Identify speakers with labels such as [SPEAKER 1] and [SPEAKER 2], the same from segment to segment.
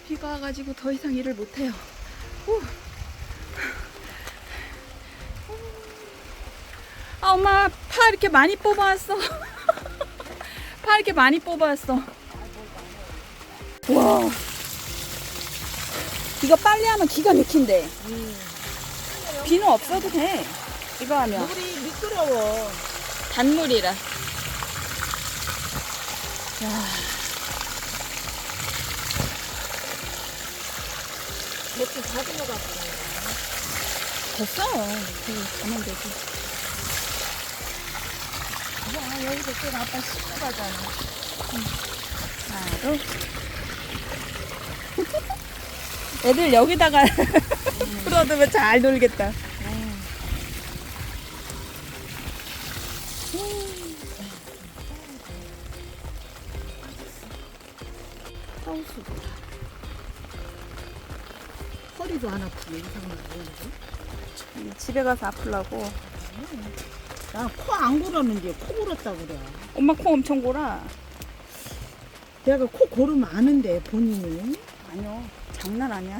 [SPEAKER 1] 비가 와가지고 더 이상 일을 못해요. 후. 아, 엄마 파 이렇게 많이 뽑아왔어. 파 이렇게 많이 뽑아왔어. 와, 이거 빨리 하면 기가 막힌대. 비는 없어도 돼. 이거 하면
[SPEAKER 2] 물이 미끄러워.
[SPEAKER 1] 단물이라. 야,
[SPEAKER 2] 대충 다진 것 같고.
[SPEAKER 1] 됐어. 가면 되지.
[SPEAKER 2] 야, 여기서 또 아빠 씻고 가잖아.
[SPEAKER 1] 하나, 둘. 애들 여기다가 풀어두면 잘 놀겠다.
[SPEAKER 2] 하우스도. 허리도 안 아프게 이상하게 보이지?
[SPEAKER 1] 집에 가서 아플라고.
[SPEAKER 2] 나코 안 골았는데 코 골았다 그래.
[SPEAKER 1] 엄마 코 엄청 골아.
[SPEAKER 2] 내가 코 고르면 아는데 본인이.
[SPEAKER 1] 아니요, 장난 아니야.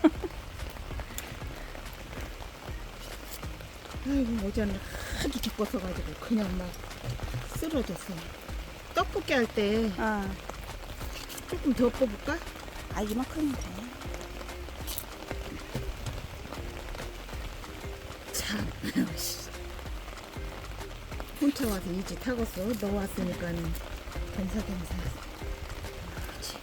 [SPEAKER 2] 아이고 어제는 하도 죽었어가지고 그냥 막 쓰러졌어. 떡볶이 할 때
[SPEAKER 1] 아,
[SPEAKER 2] 조금 더 뽑을까?
[SPEAKER 1] 아 이만큼이면 돼.
[SPEAKER 2] 참. 혼자 와서 이제 타겠어. 너 왔으니까는 겸사겸사. 그렇지.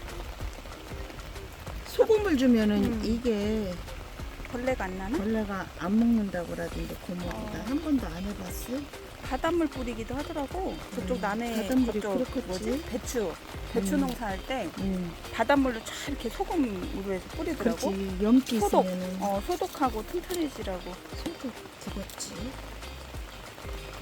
[SPEAKER 2] 소금을 주면은 이게
[SPEAKER 1] 벌레가 안 나나?
[SPEAKER 2] 벌레가 안 먹는다고 그러던데 고모가 한 번도 안 해봤어?
[SPEAKER 1] 바닷물 뿌리기도 하더라고. 저쪽 남해
[SPEAKER 2] 바닷물이
[SPEAKER 1] 저쪽
[SPEAKER 2] 그렇겠지?
[SPEAKER 1] 뭐지? 배추 농사할 때
[SPEAKER 2] 응.
[SPEAKER 1] 바닷물로 쫙 이렇게 소금으로 해서 뿌리더라고.
[SPEAKER 2] 그렇지. 염기
[SPEAKER 1] 소독.
[SPEAKER 2] 있으면은
[SPEAKER 1] 소독하고 튼튼해지라고.
[SPEAKER 2] 소독 죽었지.